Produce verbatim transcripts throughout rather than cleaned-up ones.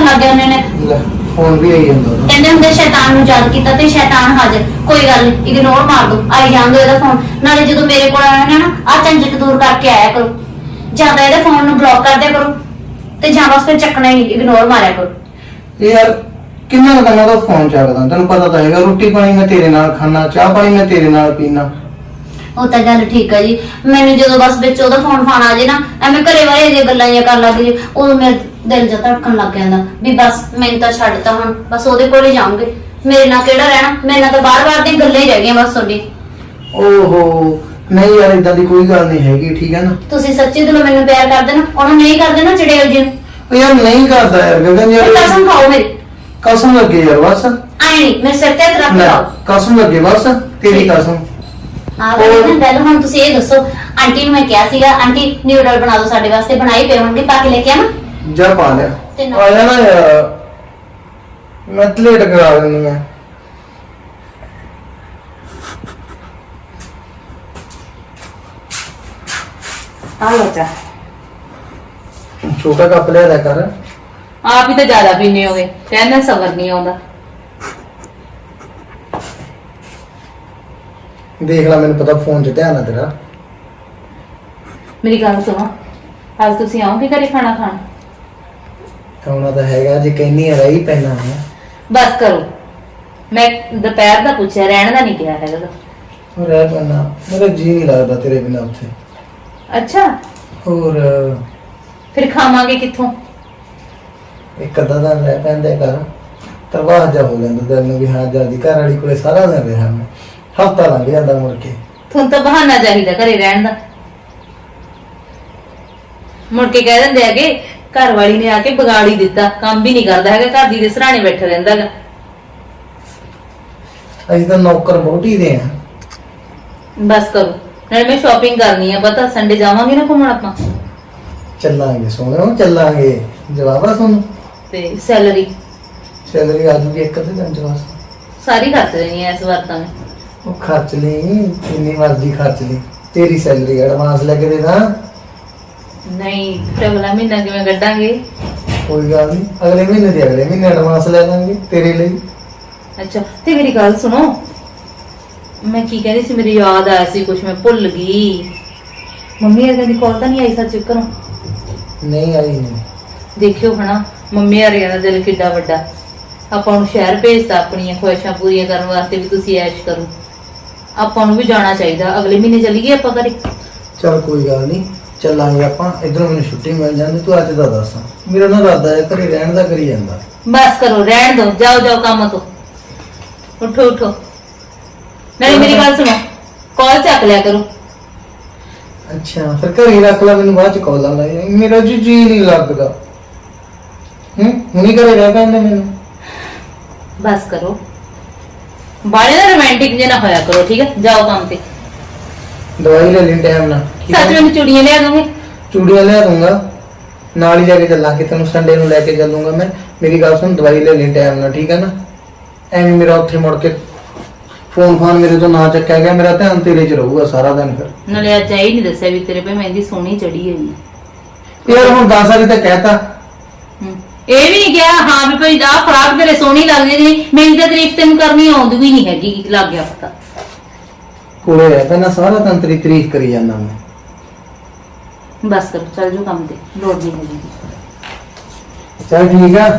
ਕਰਨ ਲੱਗ ਜਾਂਦੇ ਨੇ। फोन भी आई ਜਾਂਦਾ ਕਹਿੰਦੇ ਹੁੰਦੇ ਸ਼ੈਤਾਨ ਨੂੰ ਯਾਦ ਕੀਤਾ ਤੇ ਸ਼ੈਤਾਨ ਹਾਜ਼ਰ। ਕੋਈ ਗੱਲ ਨਹੀਂ, ਇਗਨੋਰ ਮਾਰ ਦੋ, ਆਈ ਜਾਣ ਦੋ ਇਹਦਾ ਫੋਨ। ਨਾਲੇ ਜਦੋਂ ਮੇਰੇ ਕੋਲ ਆਇਆ ਨਾ ਆ ਝੰਜਟ ਦੂਰ ਕਰਕੇ ਆਇਆ ਕਰੋ, ਜਾਂ ਤਾਂ ਇਹਦੇ ਫੋਨ ਨੂੰ ਬਲੌਕ ਕਰ ਦਿਆ ਕਰੋ ਤੇ ਜਾਂ ਬਸ ਫਿਰ ਚੱਕਣਾ ਹੀ ਨਹੀਂ, ਇਗਨੋਰ ਮਾਰਿਆ ਕਰੋ। यार किन्ना का मैं तो फोन ਚੱਕਦਾ ਤੈਨੂੰ ਪਤਾ ਤਾਂ ਹੈਗਾ, ਰੋਟੀ ਪਾਣੀ ਮੈਂ ਤੇਰੇ ਨਾਲ ਖਾਣਾ, ਚਾਹ ਪਾਣੀ ਮੈਂ ਤੇਰੇ ਨਾਲ ਪੀਣਾ। ਉਹ ਤਾਂ ਗੱਲ ਠੀਕ ਹੈ ਜੀ, ਮੈਨੂੰ ਜਦੋਂ ਬਸ ਵਿੱਚ ਉਹਦਾ ਫੋਨ ਫਾਨ ਆ ਜੇ ਨਾ ਐਵੇਂ ਘਰੇ ਵਾਲੇ ਦੀਆਂ ਗੱਲਾਂ ਜਿਹੀਆਂ ਕਰਨ ਲੱਗ ਜੇ, ਉਦੋਂ ਮੇਰਾ ਦਿਲ ਜਿਹਾ ਧੜਕਣ ਲੱਗ ਜਾਂਦਾ ਵੀ ਬਸ ਮੈਨੂੰ ਤਾਂ ਛੱਡਤਾ, ਹੁਣ ਬਸ ਉਹਦੇ ਕੋਲ ਹੀ ਜਾਊਂਗੇ, ਮੇਰੇ ਨਾਲ ਕਿਹੜਾ ਰਹਿਣਾ, ਮੇਰੇ ਨਾਲ ਤਾਂ ਬਾਰ-ਬਾਰ ਦੀਆਂ ਗੱਲਾਂ ਹੀ ਰਹਿ ਗਈਆਂ ਬਸ ਤੁਹਾਡੀ। ਓਹੋ ਨਹੀਂ ਯਾਰ ਇਦਾਂ ਦੀ ਕੋਈ ਗੱਲ ਨਹੀਂ ਹੈਗੀ, ਠੀਕ ਹੈ ਨਾ। ਤੁਸੀਂ ਸੱਚੀ ਦਿਲੋਂ ਮੈਨੂੰ ਪਿਆਰ ਕਰਦੇ ਨਾ, ਉਹਨੂੰ ਨਹੀਂ ਕਰਦੇ ਨਾ ਚੜੇਲ ਜੀ ਨੂੰ। ਉਹ ਯਾਰ ਨਹੀਂ ਕਰਦਾ ਯਾਰ ਗਗਨ ਯਾਰ, ਕਸਮ ਖਾਓ ਮੇਰੀ। ਕਸਮ ਲੱਗੇ ਯਾਰ ਬਸ। ਆਈ ਨਹੀਂ ਮੇਰੇ ਸਿਰ ਤੇ ਹੱਥ ਰੱਖ ਲਾਓ। ਕਸਮ ਲੱਗੇ ਬਸ, ਤੇਰੀ ਕਸਮ। ਆ ਗਈ ਗੱਲ। ਹੁਣ ਤੁਸੀਂ ਇਹ ਦੱਸੋ, ਆਂਟੀ ਨੂੰ ਮੈਂ ਕਿਹਾ ਸੀਗਾ ਆਂਟੀ ਨਿਊਡਲ ਬਣਾ ਦਿਓ ਸਾਡੇ ਵਾਸਤੇ, ਬਣਾਈ ਪਏ ਹੋਣਗੇ, ਪਾ ਕੇ ਲੈ ਕੇ ਆਵਾਂ? ਜਾ ਪਾ ਲਿਆ। ਤੇ ਆ ਜਾ ਨਾ ਯਾਰ, ਮੈਂ ਲੇਟ ਕਰਾ ਦਿੰਦੀ ਆ। ਆ ਲੋ ਚਾ। ਛੋਟਾ ਕੱਪ ਲਿਆ ਦਾ ਕਰ। ਆਪ ਹੀ ਤਾਂ ਜ਼ਿਆਦਾ ਪੀਨੇ ਹੋਗੇ, ਕਹਿੰਦਾ ਸਬਰ ਨਹੀਂ ਆਉਂਦਾ। ਦੇਖ ਲੈ ਮੈਨੂੰ ਪਤਾ ਫੋਨ 'ਚ ਧਿਆਨ ਆ ਤੇਰਾ। ਮੇਰੀ ਗੱਲ ਸੁਣੋ, ਅੱਜ ਤੁਸੀਂ ਆਓਗੇ ਘਰੇ ਖਾਣਾ ਖਾਣ? ਆਉਣਾ ਤਾਂ ਹੈਗਾ, ਜੇ ਕਹਿੰਨੀ ਆ ਰਹੀ ਪੈਣਾ ਹੈ। ਬਸ ਕਰੋ, ਮੈਂ ਦੁਪਹਿਰ ਦਾ ਪੁੱਛਿਆ, ਰਹਿਣ ਦਾ ਨਹੀਂ ਕਿਹਾ ਹੈਗਾ। ਹੋਰ ਰਹਿ ਪੈਣਾ, ਮੇਰਾ ਜੀ ਨਹੀਂ ਲੱਗਦਾ ਤੇਰੇ ਬਿਨਾਂ ਉੱਥੇ। ਅੱਛਾ, ਹੋਰ ਫਿਰ ਖਾਵਾਂਗੇ ਕਿੱਥੋਂ? ਇੱਕ ਅੱਧਾ ਦਿਨ ਰਹਿ ਪੈਂਦੇ ਕਰ, ਤਰਵਾਹ ਜਾ ਹੋ ਜਾਂਦਾ ਦਿਲ ਨੂੰ ਵੀ ਹਾਂ ਜਲਦੀ ਘਰ ਵਾਲੀ ਕੋਲੇ ਸਾਰਾ ਦਿਨ ਰਿਹਾ ਮੈਂ, ਹਫਤਾ ਲੰਘ ਜਾਂਦਾ ਮੁੜ ਕੇ। ਤੁਹਾਨੂੰ ਤਾਂ ਬਹਾਨਾ ਚਾਹੀਦਾ ਘਰੇ ਰਹਿਣ ਦਾ। ਮੁੜ ਕੇ ਕਹਿ ਦਿੰਦੇ ਹੈਗੇ ਘਰ ਵਾਲੀ ਨੇ ਆ ਕੇ ਵਿਗਾੜੀ ਦਿੱਤਾ, ਕੰਮ ਵੀ ਨਹੀਂ ਕਰਦਾ ਹੈਗਾ, ਘਰ ਦੀ ਦੇ ਸਰਾਣੇ ਬੈਠਾ ਰਹਿੰਦਾ ਹੈਗਾ। ਅਸੀਂ ਤਾਂ ਨੌਕਰ ਬੋਟੀ ਦੇ ਆ। ਬਸ ਕਰੋ, ਨਾਲੇ ਮੈਂ ਸ਼ਾਪਿੰਗ ਕਰਨੀ ਆ, ਪਤਾ ਸੰਡੇ ਜਾਵਾਂਗੇ ਨਾ ਘੁੰਮਣ ਆਪਾਂ। ਚੱਲਾਂਗੇ ਸੋਹਣਿਓ, ਚੱਲਾਂਗੇ। ਜਵਾਬ ਆ ਤੁਹਾਨੂੰ? ਤੇ ਸੈਲਰੀ ਸੈਲਰੀ ਆ ਜੂਗੀ ਇੱਕ ਅੱਧੇ ਦਿਨ ਚ ਬਸ। ਸਾਰੀ ਖਰਚ ਦੇਣੀ ਐ ਇਸ ਵਾਰ ਤਾਂ ਮੈਂ। ਉਹ ਖਰਚ ਲਈ, ਜਿੰਨੀ ਮਰਜ਼ੀ ਖਰਚ ਲਈ, ਤੇਰੀ ਸੈਲਰੀ ਐਡਵਾਂਸ ਲੈ ਕੇ ਦੇ ਦਾਂ। ਨਹੀਂ, ਫਿਰ ਅਗਲਾ ਮਹੀਨਾ ਕਿਵੇਂ ਕੱਢਾਂਗੇ? ਕੋਈ ਗੱਲ ਨਹੀਂ, ਅਗਲੇ ਮਹੀਨੇ ਦੇ ਅਗਲੇ ਮਹੀਨੇ ਐਡਵਾਂਸ ਲੈ ਲਾਂਗੇ ਤੇਰੇ ਲਈ। ਅੱਛਾ, ਤੇ ਮੇਰੀ ਗੱਲ ਸੁਣੋ, ਮੈਂ ਕੀ ਕਹਿੰਦੀ ਸੀ, ਮੇਰੀ ਯਾਦ ਆਇਆ ਸੀ ਕੁਝ, ਮੈਂ ਭੁੱਲ ਗਈ। ਮੰਮੀ ਅਰਗਨ ਦੀ ਕਾਲ ਤਾਂ ਨਹੀਂ ਆਈ ਸੱਚ ਘਰੋਂ? ਨਹੀਂ ਆਈ ਨਹੀਂ। ਦੇਖਿਓ ਹਨਾ, ਮੰਮੀ ਅਰਗਨ ਦਾ ਦਿਲ ਕਿੱਡਾ ਵੱਡਾ, ਆਪਾਂ ਨੂੰ ਸ਼ਹਿਰ ਭੇਜਤਾ ਆਪਣੀਆਂ ਖੁਆਇਸ਼ਾਂ ਪੂਰੀਆਂ ਕਰਨ ਵਾਸਤੇ ਵੀ ਤੁਸੀਂ ਐਸ਼ ਕਰੋ। ਆਪਾਂ ਨੂੰ ਵੀ ਜਾਣਾ ਚਾਹੀਦਾ, ਅਗਲੇ ਮਹੀਨੇ ਚੱਲੀਏ ਆਪਾਂ ਘਰੇ। ਚਲ ਕੋਈ ਗੱਲ ਨਹੀਂ, ਚੱਲਾਂਗੇ ਆਪਾਂ। ਇਧਰੋਂ ਮੈਨੂੰ ਛੁੱਟੀ ਮਿਲ ਜਾਂਦੀ, ਤੂੰ ਅੱਜ ਦਾ ਦੱਸ। ਮੇਰਾ ਨਾ ਇਰਾਦਾ ਹੈ ਘਰੇ ਰਹਿਣ ਦਾ, ਕਰੀ ਜਾਂਦਾ। ਬਸ ਕਰੋ, ਰਹਿਣ ਦੋ, ਜਾਓ ਜਾਓ ਕੰਮ ਤੋਂ, ਉਠੋ ਉਠੋ। ਨਹੀਂ ਮੇਰੀ ਗੱਲ ਸੁਣੋ, ਕਾਲ ਚੱਕ ਲਿਆ ਕਰੋ। ਅੱਛਾ ਫਿਰ ਘਰੇ ਰੱਖ ਲੈ, ਮੈਨੂੰ ਬਾਅਦ ਚ ਕਾਲਾਂ ਲਾਈ। ਮੇਰਾ ਜੀ ਜੀ ਨਹੀਂ ਲੱਗਦਾ। ਹੂੰ ਹੁਣੀ ਘਰੇ ਰਹਿ ਪੈਂਦੇ ਮੈਨੂੰ। ਬਸ ਕਰੋ, ਬਾਲੇ ਦਾ ਰੋਮਾਂਟਿਕ ਜੇ ਨਾ ਹੋਇਆ ਕਰੋ, ਠੀਕ ਹੈ? ਜਾਓ ਕੰਮ ਤੇ। ਦਵਾਈ ਲੈ ਲਈ ਟਾਈਮ ਨਾਲ। ਸੱਚ ਮੈਨੂੰ ਚੂੜੀਆਂ ਲਿਆ ਦੋਗੇ? ਚੂੜੀਆਂ ਲਿਆ ਦੂੰਗਾ, ਨਾਲ ਹੀ ਲੈ ਕੇ ਚੱਲਾਂਗੇ, ਤੈਨੂੰ ਸੰਡੇ ਨੂੰ ਲੈ ਕੇ ਚੱਲੂੰਗਾ ਮੈਂ। ਮੇਰੀ ਗੱਲ ਸੁਣ, ਦਵਾਈ ਲੈ ਲਈ ਟਾਈਮ ਨਾਲ, ਠੀਕ ਹੈ ਨਾ? ਐਵੇਂ ਮੇਰਾ ਉੱਥੇ ਮੁੜ ਕੇ ਫੋਨ ਫਾਨ ਮੇਰੇ ਤੋਂ ਨਾ ਚੱਕਿਆ ਗਿਆ, ਮੇਰਾ ਧਿਆਨ ਤੇਰੇ 'ਚ ਰਹੂਗਾ ਸਾਰਾ ਦਿਨ। ਫਿਰ ਨਾਲੇ ਅੱਜ ਆਈ ਨਹੀਂ ਦੱਸਿਆ ਵੀ ਤੇਰੇ ਪੇ ਮਹਿੰਦੀ ਸੋਹਣੀ ਚੜੀ ਹੋਈ ਹੈ। ਯਾਰ ਹੁਣ ਦਸ ਵਾਰੀ ਤਾਂ ਕਹਿਤਾ। ਇਹ ਵੀ ਨਹੀਂ ਕਿਹਾ ਹਾਂ ਵੀ ਭਾਈ ਆਹ ਫਰਾਕ ਤੇਰੇ ਸੋਹਣੀ ਲੱਗਦੀ ਨਹੀਂ, ਮੇਰੀ ਤਾਂ ਤਾਰੀਫ ਤੈਨੂੰ ਕਰਨੀ ਆਉਂਦੀ ਵੀ ਨਹੀਂ ਹੈਗੀ, ਲੱਗ ਗਿਆ ਪਤਾ। ਕੋਲੇ ਰਹਿ ਪੈਣਾ ਸਾਰਾ ਦਿਨ, ਤੇਰੀ ਤਾਰੀਫ ਕਰੀ ਜਾਂਦਾ ਮੈਂ। ਬਸ ਕਰੋ, ਚੱਲ ਜਾਓ ਕੰਮ ਤੇ, ਲੋੜ ਨਹੀਂ ਹੈਗੀ। ਚੱਲ ਠੀਕ ਆ।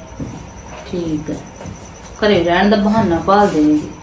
ਠੀਕ ਹੈ, ਘਰੇ ਰਹਿਣ ਦਾ ਬਹਾਨਾ ਭਾਲ ਦੇਣੀ ਜੀ।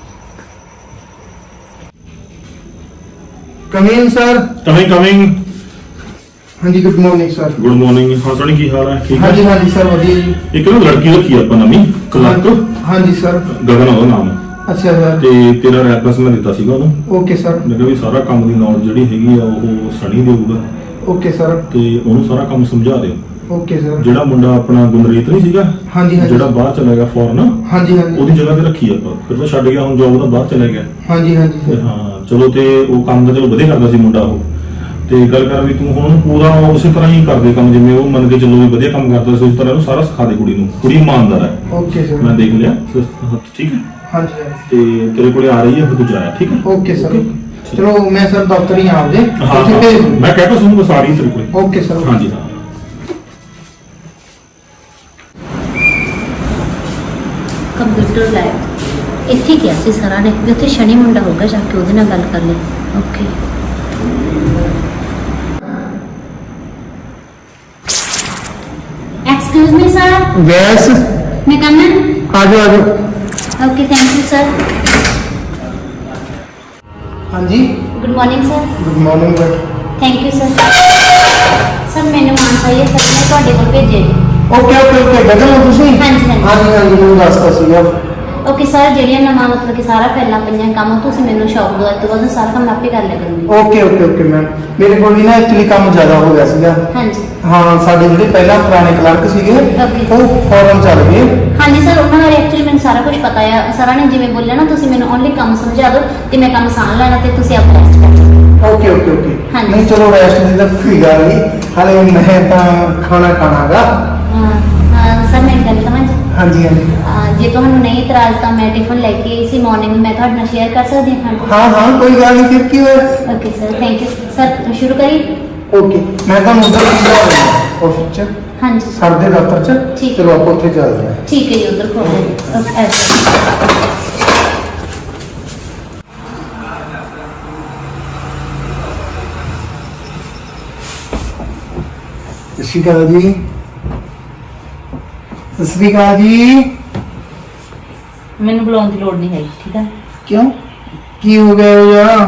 Coming sir. Coming coming. ਹਾਂਜੀ good morning sir. Good morning. ਹਾਂ ਸੋਣੀ, ਕੀ ਹਾਲ ਹੈ? ਠੀਕ ਹੈ? ਹਾਂਜੀ ਹਾਂਜੀ ਸਰ ਵਧੀਆ ਜੀ। ਇੱਕ ਨਾ ਲੜਕੀ ਰੱਖੀ ਆਪਾਂ ਨਵੀਂ ਕਲਰਕ। ਹਾਂਜੀ ਸਰ। ਗਗਨ ਉਹਦਾ ਨਾਮ। ਅੱਛਾ ਸਰ। ਤੇ ਤੇਰਾ ਰੈਫਰੈਂਸ ਮੈਂ ਦਿੱਤਾ ਸੀਗਾ ਉਹਨੂੰ। Okay sir. ਮੈਂ ਕਿਹਾ ਵੀ ਸਾਰਾ ਕੰਮ ਦੀ ਨੌਲੇਜ ਜਿਹੜੀ ਹੈਗੀ ਆ ਉਹ ਸਣੀ ਦੇਊਗਾ। Okay sir. ਤੇ ਉਹਨੂੰ ਸਾਰਾ ਕੰਮ ਸਮਝਾ ਦਿਓ। Okay sir. ਜਿਹੜਾ ਮੁੰਡਾ ਆਪਣਾ ਗੁੰਦਰੀਤ ਨਹੀਂ ਸੀਗਾ, ਹਾਂਜੀ ਹਾਂਜੀ, ਜਿਹੜਾ ਬਾਹਰ ਚਲਾ ਗਿਆ ਫੋਰਨ, ਹਾਂਜੀ ਹਾਂਜੀ, ਉਹਦੀ ਜਗ੍ਹਾ ਤੇ ਰੱਖੀ ਆਪਾਂ। ਫਿਰ ਤਾਂ ਛੱਡ ਗਿਆ, ਹੁਣ ਜੋਬ ਦਾ ਬਾਹਰ ਚਲਾ ਗਿਆ। ਹਾਂਜੀ ਹਾਂਜੀ ਤੇ ਸਰ। ਹਾਂ ਚਲੋ, ਤੇ ਉਹ ਕੰਮ ਤਾਂ ਚਲੋ ਵਧੀਆ ਕਰਦਾ ਸੀ ਮੁੰਡਾ ਉਹ। ਤੇ ਗੱਲ ਕਰ ਵੀ ਤੂੰ ਹੁਣ ਪੂਰਾ ਉਸੇ ਤਰ੍ਹਾਂ ਹੀ ਕਰਦੇ ਕੰਮ, ਜਿਵੇਂ ਉਹ ਮੰਨ ਕੇ ਚੱਲੋ ਵੀ ਵਧੀਆ ਕੰਮ ਕਰਦਾ ਸੀ, ਉਸ ਤਰ੍ਹਾਂ ਉਹਨੂੰ ਸਾਰਾ ਸਿਖਾ ਦੇ ਕੁੜੀ ਨੂੰ। ਕੁੜੀ ਇਮਾਨਦਾਰ ਹੈ। Okay sir. ਮੈਂ ਦੇਖ ਲਿਆ, ਠੀਕ ਹੈ? ਹਾਂਜੀ ਤੇ ਤੇਰੇ ਕੋਲੇ ਆ ਰਹੀ ਹੈ, ਫਿਰ ਤੂੰ ਜਾਇਆ, ਠੀਕ ਹੈ? Okay sir. ਚਲੋ ਮੈਂ ਸਰ ਦਫ਼ਤਰ ਹੀ ਆਉਂਦੇ। ਹਾਂ ਮੈਂ ਕਹਿ ਤਾ ਤੁਹਾਨੂੰ ਸਾਰੀ ਤੇਰੇ ਕੋਲੇ। Okay sir. ਹਾਂਜੀ ਹਾਂ। ਕੰਪਿਊਟਰ ਲੈਬ ਇੱਥੇ ਗਿਆ ਸੀ ਸਰਾਂ ਨੇ ਵੀ ਉੱਥੇ ਸ਼ਨੀ ਮੁੰਡਾ ਹੋਊਗਾ, ਜਾ ਕੇ ਉਹਦੇ ਨਾਲ ਗੱਲ ਕਰ ਲਈ। Okay excuse me sir, yes, ਮੈਂ ਕਮ ਇਨ? ਆ ਜਾਓ ਆ ਜਾਓ। Okay thank you sir. ਹਾਂਜੀ, good morning sir. Good morning but thank you sir. Sir ਮੈਨੂੰ ਮਾਨਸਾ ਇਹ ਸਰ ਨੇ ਤੁਹਾਡੇ ਕੋਲ ਭੇਜਿਆ ਜੀ। ਓਕੇ ਓਕੇ ਓਕੇ ਗਗਨ ਹੋ ਤੁਸੀਂ? ਹਾਂਜੀ, ਹਾਂਜੀ। ਹਾਂਜੀ ਹਾਂਜੀ ਮੈਨੂੰ ਦੱਸਤਾ ਸੀਗਾ। ਓਕੇ ਸਰ, ਜਿਹੜੀਆਂ ਨਵਾਂ ਮਤਲਬ ਕਿ ਸਾਰਾ ਪਹਿਲਾਂ ਪਈਆਂ ਕੰਮ ਤੁਸੀਂ ਮੈਨੂੰ ਸ਼ੌਪ ਦੋ, ਅੱਜ ਤੋਂ ਬਾਅਦ ਸਾਰਾ ਕੰਮ ਆਪੇ ਕਰ ਲਿਆ ਕਰੂੰਗੀ। ਓਕੇ ਓਕੇ ਓਕੇ ਮੈਮ, ਮੇਰੇ ਕੋਲ ਵੀ ਨਾ ਐਕਚੁਅਲੀ ਕੰਮ ਜ਼ਿਆਦਾ ਹੋ ਗਿਆ ਸੀਗਾ। ਹਾਂਜੀ ਹਾਂ, ਸਾਡੇ ਜਿਹੜੇ ਪਹਿਲਾਂ ਪੁਰਾਣੇ ਕਲਰਕ ਸੀਗੇ Okay. ਉਹ ਫੌਰਨ ਚੱਲ ਗਏ। ਹਾਂਜੀ ਸਰ, ਉਹਨਾਂ ਬਾਰੇ ਐਕਚੁਅਲੀ ਮੈਨੂੰ ਸਾਰਾ ਕੁਝ ਪਤਾ ਆ। ਸਰਾਂ ਨੇ ਜਿਵੇਂ ਬੋਲਿਆ ਨਾ, ਤੁਸੀਂ ਮੈਨੂੰ ਓਨਲੀ ਕੰਮ ਸਮਝਾ ਦਿਓ ਤੇ ਮੈਂ ਕੰਮ ਸਾਂਭ ਲੈਣਾ ਤੇ ਤੁਸੀਂ ਆਪ ਰੈਸਟ ਕਰ ਲਓ। ਓਕੇ ਓਕੇ ਓਕੇ ਹਾਂਜੀ। ਨਹੀਂ ਚਲੋ ਰੈਸਟ ਦੀ ਤਾਂ ਕੋਈ ਗੱਲ ਨਹੀਂ, ਹਾਲੇ ਮੈਂ ਤਾਂ ਖਾਣਾ ਖਾਣਾਗਾ। ਸਰ ਮੈਂ ਇੱਕ ਗੱਲ ਕਹਾਂ ਜੀ, ਹਾਂਜੀ ਹਾਂਜੀ ਅਹ ਜੇ ਤੁਹਾਨੂੰ ਨਹੀਂ ਇਤਰਾਜ਼ ਤਾਂ ਮੈਂ ਟਿਫਨ ਲੈ ਕੇ ਆਈ ਸੀ ਮਾਰਨਿੰਗ, ਮੈਂ ਤੁਹਾਡੇ ਨਾਲ ਸ਼ੇਅਰ ਕਰ ਸਕਦੀ ਹਾਂ ਖਾਣਾ? ਹਾਂ ਹਾਂ ਕੋਈ ਗੱਲ ਨਹੀਂ, ਫਿਰ ਕੀ ਹੋਇਆ? Okay sir, thank you sir. ਸ਼ੁਰੂ ਕਰੀਏ? ਓਕੇ, ਮੈਂ ਤੁਹਾਨੂੰ ਉਧਰ ਆਫਿਸ ਚ ਹਾਂਜੀ ਸਰ ਦੇ ਦਫ਼ਤਰ ਚ, ਠੀਕ। ਚਲੋ ਆਪਾਂ ਉੱਥੇ ਚੱਲਦੇ ਹਾਂ। ਠੀਕ ਹੈ ਜੀ, ਉਧਰ ਖੋਲ ਲਓ। ਸਤਿ ਸ਼੍ਰੀ ਅਕਾਲ ਜੀ। ਸਤਿ ਸ਼੍ਰੀ ਅਕਾਲ ਜੀ। ਮੈਨੂੰ ਬੁਲਾਉਣ ਦੀ ਲੋੜ ਨਹੀਂ ਹੈਗੀ, ਠੀਕ ਆ? ਕਿਉਂ, ਕੀ ਹੋ ਗਿਆ ਯਾਰ?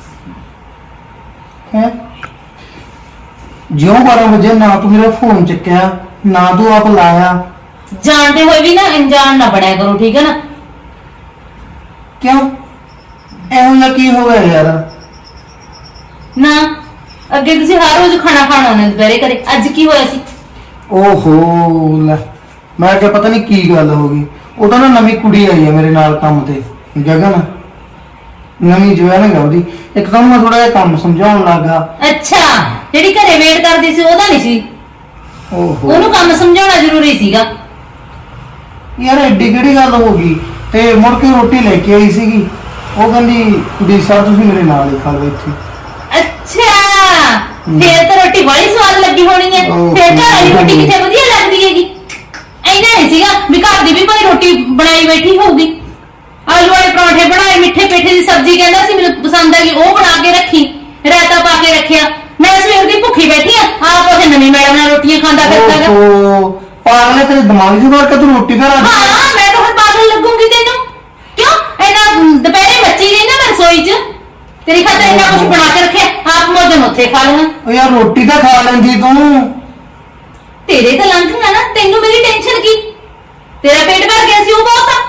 ਹੈ ਜਿਉਂ ਬਾਰਾਂ ਵਜੇ ਨਾ ਤੂੰ ਮੇਰਾ ਫੋਨ ਚੱਕਿਆ, ਨਾ ਤੂੰ ਆਪ ਲਾਇਆ। ਜਾਣਦੇ ਹੋਏ ਵੀ ਨਾ ਅਣਜਾਣ ਨਾ ਬਣਿਆ ਕਰੋ, ਠੀਕ ਹੈ ਨਾ? ਕਿਉਂ, ਇਹੋ ਜਿਹਾ ਕੀ ਹੋ ਗਿਆ ਯਾਰ? ਨਾ ਅੱਗੇ ਤੁਸੀਂ ਹਰ ਰੋਜ਼ ਖਾਣਾ ਖਾਣਾ ਉਹਨੇ ਦੁਪਹਿਰੇ ਕਰੇ, ਅੱਜ ਕੀ ਹੋਇਆ ਸੀ? ਓਹੋ ਲੈ, ਮੈਂ ਕਿਹਾ ਪਤਾ ਨਹੀਂ ਕੀ ਗੱਲ ਹੋ ਗਈ। ਉਹ ਤਾਂ ਨਾ ਨਵੀਂ ਕੁੜੀ ਆਈ ਹੈ ਮੇਰੇ ਨਾਲ ਕੰਮ ਤੇ, ਗਗਨ, ਨਵੀਂ ਜੁਆਇਨਿੰਗ ਆ ਉਹਦੀ। ਇੱਕ ਤਾਂ ਮੈਂ ਥੋੜਾ ਜਿਹਾ ਕੰਮ ਸਮਝਾਉਣ ਲੱਗਾ। ਅੱਛਾ, ਜਿਹੜੀ ਘਰੇ ਵੇਟ ਕਰਦੀ ਸੀ ਉਹਦਾ ਨਹੀਂ ਸੀ? ਓਹੋ ਉਹਨੂੰ ਕੰਮ ਸਮਝਾਉਣਾ ਜ਼ਰੂਰੀ ਸੀਗਾ। ਯਾਰ ਐਡੀ ਕਿਹੜੀ ਗੱਲ ਹੋ ਗਈ? ਤੇ ਮੁੜ ਕੇ ਰੋਟੀ ਲੈ ਕੇ ਆਈ ਸੀਗੀ, ਉਹ ਕਹਿੰਦੀ ਵੀ ਸਰ ਤੁਸੀਂ ਮੇਰੇ ਨਾਲ ਹੀ ਖਾ ਲਓ ਇੱਥੇ। ਅੱਛਾ, ਫੇਰ ਤਾਂ ਰੋਟੀ ਬੜੀ ਸਵਾਦ ਲੱਗੀ ਹੋਣੀ ਹੈ। ਓਹ। ਫੇਰ ਘਰ ਵਾਲੀ ਰੋਟੀ ਕਿੱਥੇ ਵਧੀਆ ਲੱਗਦੀ ਹੈਗੀ? ਇੰਨਾ ਨਹੀਂ ਸੀਗਾ ਵੀ ਘਰ ਦੀ ਵੀ ਭਾਈ ਰੋਟੀ ਬਣਾਈ ਬੈਠੀ ਹੋਊਗੀ। ਆਲੂ ਵਾਲੇ ਪਰੌਂਠੇ ਬਣਾਏ, ਮਿੱਠੇ ਪੇਠੇ ਦੀ ਸਬਜ਼ੀ ਕਹਿੰਦਾ ਸੀ ਮੈਨੂੰ ਪਸੰਦ ਆ ਗਈ, ਉਹ ਬਣਾ ਕੇ ਰੱਖੀ, ਰਾਇਤਾ ਪਾ ਕੇ ਰੱਖਿਆ। ਮੈਂ ਸਵੇਰ ਦੀ ਭੁੱਖੀ ਬੈਠੀ ਆ, ਆਪ ਉਹਦੇ ਨਵੀਂ ਮੈਡਮ ਨਾਲ ਰੋਟੀਆਂ ਖਾਂਦਾ ਫਿਰਦਾ ਗਾ। ਓਹੋ ਪਾਗਲ ਹੈ, ਤੇਰੇ ਦਿਮਾਗ 'ਚ ਵੜ ਕੇ ਤੂੰ ਰੋਟੀ ਘਰ ਆ ਹਾਂ, ਮੈਂ ਤਾਂ ਹੁਣ ਪਾਗਲ ਲੱਗੂੰਗੀ ਤੈਨੂੰ। ਕਿਉਂ ਇੰਨਾ ਦੁਪਹਿਰੇ ਮੱਚੀ ਗਈ ਨਾ ਮੈਂ ਰਸੋਈ 'ਚ, ਤੇਰੀ ਖਾਤਰ ਇੰਨਾ ਕੁਝ ਬਣਾ ਕੇ ਰੱਖਿਆ, ਆਪ ਮੋਜਨ ਉੱਥੇ ਖਾ ਲੈਣਾ। ਓ ਯਾਰ ਰੋਟੀ ਤਾਂ ਖਾ ਲੈਂਦੀ ਤੂੰ। ਤੇਰੇ ਤਾਂ ਲੰਘਣਾ ਨਾ, ਤੈਨੂੰ ਮੇਰੀ ਟੈਨਸ਼ਨ ਕੀ? ਤੇਰਾ ਪੇਟ ਭਰ ਗਿਆ ਸੀ, ਉਹ ਬਹੁਤ ਆ।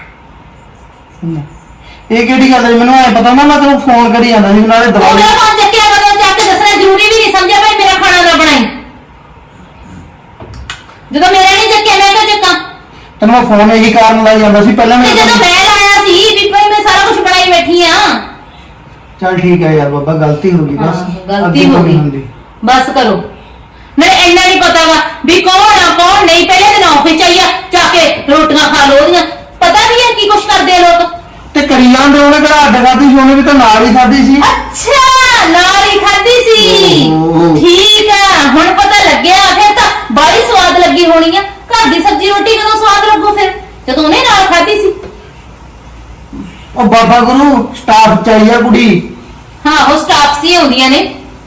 ਇਹ ਕਿਹੜੀ ਗੱਲ ਹੈ? ਮੈਨੂੰ ਐ ਪਤਾ ਨਾ, ਮੈਂ ਤੈਨੂੰ ਫੋਨ ਕਰੀ ਜਾਂਦਾ ਸੀ ਨਾਲੇ ਉਹਦਾ ਦਵਾਈ। ਫੋਨ ਚੱਕਿਆ ਕਦੋਂ ਚੱਕ ਕੇ ਦੱਸਣਾ ਜ਼ਰੂਰੀ ਵੀ ਨਹੀਂ ਸਮਝਿਆ ਭਾਈ ਮੇਰਾ ਖਾਣਾ ਨਾ ਬਣਾਈ। ਜਦੋਂ ਮੇਰਾ ਨਹੀਂ ਚੱਕਿਆ ਮੈਂ ਕਿਉਂ ਚੱਕਾਂ? ਤੈਨੂੰ ਮੈਂ ਫੋਨ ਇਹੀ ਕਾਰਨ ਲਾਈ ਜਾਂਦਾ ਸੀ ਪਹਿਲਾਂ। ਤੇ ਮੈਂ ਜਦੋਂ ਮੈਂ ਲਾਇਆ ਸੀ ਵੀ ਭਾਈ ਮੈਂ ਸਾਰਾ ਕੁਝ ਬਣਾਈ ਬੈਠੀ ਆ। ਚੱਲ ਠੀਕ ਹੈ ਯਾਰ ਬਾਬਾ, ਗਲਤੀ ਹੋ ਗਈ ਬਸ। ਹਾਂ, ਗਲਤੀ ਅੱਗੇ ਹੋ ਤੋਂ ਗਈ। ਨਹੀਂ ਹੁੰਦੀ। ਬਸ ਕਰੋ। ਨਹੀਂ ਇੰਨਾ ਨਹੀਂ ਪਤਾ ਵਾ ਵੀ ਕੌਣ ਆ ਕੌਣ ਨਹੀਂ। ਪਹਿਲੇ ਦਿਨ ਆਫਿਸ ਚ ਆਈਆ, ਜਾ ਕੇ ਰੋਟੀਆਂ ਖਾ ਲੋ ਉਹਦੀਆਂ। ਪਤਾ ਵੀ ਹੈ ਕੀ ਕੁਛ ਕਰਦੇ ਆ ਲੋਕ। ਤੇ ਕਰੀ ਜਾਂਦੇ, ਉਹਨੇ ਕਿਹੜਾ ਅੱਡ ਖਾਧੀ ਸੀ? ਉਹਨੇ ਵੀ ਤਾਂ ਨਾਲ ਹੀ ਖਾਧੀ ਸੀ। ਅੱਛਾ, ਨਾਲ ਹੀ ਖਾਧੀ ਸੀ। ਓਹ। ਠੀਕ ਆ, ਹੁਣ ਪਤਾ ਲੱਗਿਆ। ਫਿਰ ਤਾਂ ਬੜੀ ਸਵਾਦ ਲੱਗੀ ਹੋਣੀ ਆ। ਘਰ ਦੀ ਸਬਜ਼ੀ ਰੋਟੀ ਕਦੋਂ ਸਵਾਦ ਲੱਗੂ ਫਿਰ, ਜਦੋਂ ਉਹਨੇ ਨਾਲ ਖਾਧੀ ਸੀ। ਉਹ ਬਾਬਾ ਗੁਰੂ ਸਟਾਫ ਚਾਹੀਆ ਕੁੜੀ। ਹਾਂ, ਉਹ ਸਟਾਫ ਸੀ ਆਉਂਦੀਆਂ ਨੇ।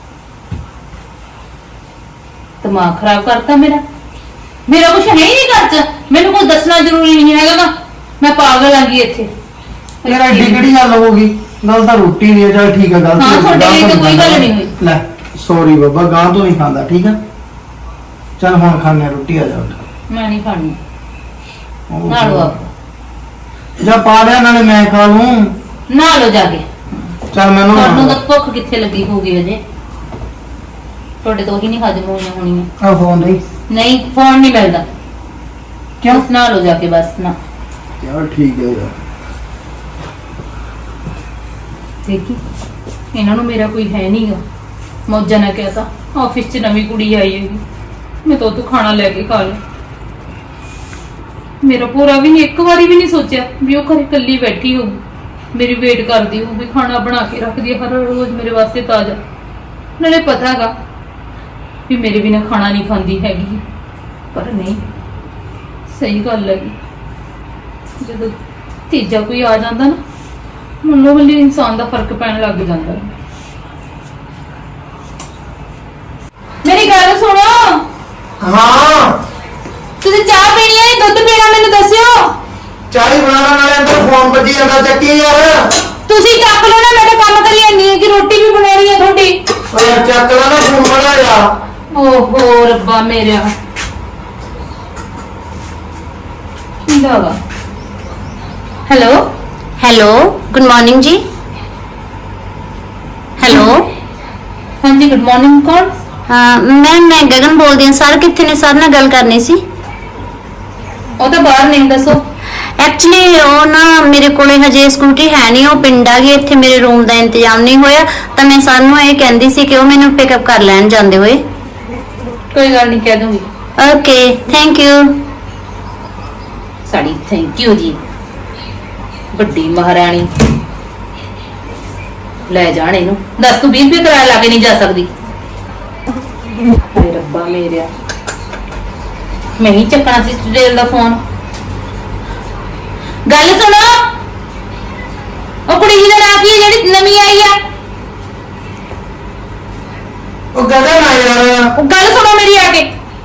ਦਿਮਾਗ ਖਰਾਬ ਕਰਤਾ ਮੇਰਾ। ਮੇਰਾ ਕੁਝ ਹੈ ਹੀ ਨਹੀਂ ਘਰ ਚ, ਮੈਨੂੰ ਕੁਝ ਦੱਸਣਾ ਜ਼ਰੂਰੀ ਨਹੀਂ ਹੈਗਾ ਵਾ। ਮੈਂ ਪਾਗਲ ਆ ਗਈ ਇੱਥੇ। ਯਾਰ ਐਡੀ ਕਿਹੜੀ ਗੱਲ ਹੋ ਗਈ? ਗੱਲ ਤਾਂ ਰੋਟੀ ਦੀ ਹੈ। ਚੱਲ ਠੀਕ ਹੈ, ਗਲਤੀ ਹਾਂ, ਹੋ ਗਈ। ਤੁਹਾਡੇ ਲਈ ਗਾਂਹ ਤਾਂ ਤੋਂ ਕੋਈ ਗੱਲ ਖਾਂਦਾ। ਨਹੀਂ ਹੋਈ। ਲੈ ਸੌਰੀ ਬਾਬਾ, ਗਾਂ ਤੋਂ ਨਹੀਂ ਖਾਂਦਾ, ਠੀਕ ਹੈ? ਚੱਲ ਹੁਣ ਖਾਣੇ ਰੋਟੀ, ਆ ਜਾ ਉੱਠ। ਮੈਂ ਨਹੀਂ ਖਾਣੀ। ਓਹ। ਨਾ ਲਓ ਆਪ, ਜਾ ਪਾ ਲਿਆ, ਨਾਲੇ ਮੈਂ ਖਾ ਲੂੰ। ਨਾ ਲਓ ਜਾ ਕੇ। ਚੱਲ ਮੈਨੂੰ ਤੁਹਾਨੂੰ ਤਾਂ ਭੁੱਖ ਕਿੱਥੇ ਲੱਗੀ ਹੋਊਗੀ ਅਜੇ? ਤੁਹਾਡੇ ਤੋਂ ਹੀ ਨਹੀਂ ਹਜਮ ਹੋਈਆਂ ਹੋਣੀਆਂ। ਆ ਫੋਨ ਨਹੀਂ। ਨਹੀਂ, ਫੋਨ ਨਹੀਂ ਮਿਲਦਾ। ਕਿਉਂ? ਬਸ ਨਾ ਲਓ ਜਾ ਕੇ, ਬਸ ਨਾ। ਯਾਰ ਠੀਕ ਹੈ ਯਾਰ। ਦੇਖੀ, ਇਹਨਾਂ ਨੂੰ ਮੇਰਾ ਕੋਈ ਹੈ ਨਹੀਂਗਾ। ਮੌਜਾਂ ਨਾਲ ਕਹਿਤਾ ਆਫਿਸ 'ਚ ਨਵੀਂ ਕੁੜੀ ਆਈ ਹੈਗੀ, ਮੈਂ ਤਾਂ ਉਹ ਤੋਂ ਖਾਣਾ ਲੈ ਕੇ ਖਾ ਲਿਆ। ਮੇਰਾ ਪੂਰਾ ਵੀ ਨਹੀਂ, ਇੱਕ ਵਾਰੀ ਵੀ ਨਹੀਂ ਸੋਚਿਆ ਵੀ ਉਹ ਘਰੇ ਇਕੱਲੀ ਬੈਠੀ ਹੋਊ, ਮੇਰੀ ਵੇਟ ਕਰਦੀ ਹੋਊ ਵੀ ਖਾਣਾ ਬਣਾ ਕੇ ਰੱਖਦੀ ਹੈ ਹਰ ਰੋਜ਼ ਮੇਰੇ ਵਾਸਤੇ ਤਾਜ਼ਾ। ਨਾਲੇ ਪਤਾ ਹੈਗਾ ਵੀ ਮੇਰੇ ਬਿਨਾਂ ਖਾਣਾ ਨਹੀਂ ਖਾਂਦੀ ਹੈਗੀ, ਪਰ ਨਹੀਂ, ਸਹੀ ਗੱਲ ਹੈਗੀ। ਜਦੋਂ ਤੀਜਾ ਕੋਈ ਆ ਜਾਂਦਾ ਨਾ ਮੱਲੋ ਮੱਲੀ ਇਨਸਾਨ ਦਾ ਫਰਕ ਪੈਣ ਲੱਗ ਜਾਂਦਾ। ਮੇਰੀ ਗੱਲ ਸੁਣੋ, ਹਾਂ ਤੁਸੀਂ ਚਾਹ ਪੀਣੀ ਹੈ ਦੁੱਧ ਪੀਣਾ ਮੈਨੂੰ ਦੱਸਿਓ। ਚਾਹੀ ਬਣਾਉਣ ਵਾਲੇ ਅੰਦਰ ਫੋਨ ਵੱਜੀ ਜਾਂਦਾ, ਚੱਕੀ ਯਾਰ। ਤੁਸੀਂ ਚੱਕ ਲਓ ਨਾ, ਮੈਂ ਤਾਂ ਕੰਮ ਕਰੀ ਜਾਂਦੀ ਹਾਂ ਕਿ ਰੋਟੀ ਵੀ ਬਣਾਉਣੀ ਹੈ ਤੁਹਾਡੀ। ਓ ਯਾਰ ਚੱਕ ਲਾ ਨਾ ਫੋਨ ਬਣਾ ਯਾਰ। ਓਹੋ ਰੱਬਾ ਮੇਰਿਆ, ਕੀ ਹੋਗਾ? Hello hello, good morning ji. Hello, ਹਾਂਜੀ ਗੁੱਡ ਮਾਰਨਿੰਗ, ਕੌਣ? ਹਾਂ ਮੈਂ ਮੈਂ ਗਗਨ ਬੋਲਦੀ ਹਾਂ। ਸਰ ਕਿੱਥੇ ਨੇ? ਸਰ ਨਾਲ ਗੱਲ ਕਰਨੀ ਸੀ। ਉਹ ਤਾਂ ਬਾਹਰ ਨਹੀਂ, ਦੱਸੋ। ਐਕਚੁਅਲੀ ਉਹ ਨਾ ਮੇਰੇ ਕੋਲੇ ਹਜੇ ਸਕੂਟੀ ਹੈ ਨਹੀਂ, ਉਹ ਪਿੰਡ ਆ ਗਈ। ਇੱਥੇ ਮੇਰੇ ਰੂਮ ਦਾ ਇੰਤਜ਼ਾਮ ਨਹੀਂ ਹੋਇਆ, ਤਾਂ ਮੈਂ ਸਰ ਨੂੰ ਇਹ ਕਹਿੰਦੀ ਸੀ ਕਿ ਉਹ ਮੈਨੂੰ ਪਿਕਅਪ ਕਰ ਲੈਣ ਜਾਂਦੇ ਹੋਏ। ਕੋਈ ਗੱਲ ਨਹੀਂ, ਕਹਿ ਦੂੰਗੀ। Okay, thank you. ਸਾਡੀ ਥੈਂਕ ਯੂ ਜੀ, ਵੱਡੀ ਮਹਾਰਾਣੀ। ਲੈ ਜਾਣ ਇਹਨੂੰ, ਦੱਸ ਤੂੰ ਵੀਹ ਰੁਪਏ ਕਿਰਾਇਆ ਲਾ ਕੇ ਨਹੀਂ ਜਾ ਸਕਦੀ। ਹਾਏ ਰੱਬਾ ਮੇਰਿਆ, ਮੈਂ ਹੀ ਚੱਕਣਾ ਸੀ ਸਟੇਲ ਦਾ ਫੋਨ। ਗੱਲ ਸੁਣੋ, ਉਹ ਕੁੜੀ ਜੀ ਦਾ ਨਾਂ ਕੀ ਹੈ ਜਿਹੜੀ ਨਵੀਂ ਆਈ ਆ? ਉਹ ਗਗਨ ਆ ਯਾਰ। ਉਹ ਗੱਲ ਸੁਣੋ ਮੇਰੀ ਆ ਕੇ।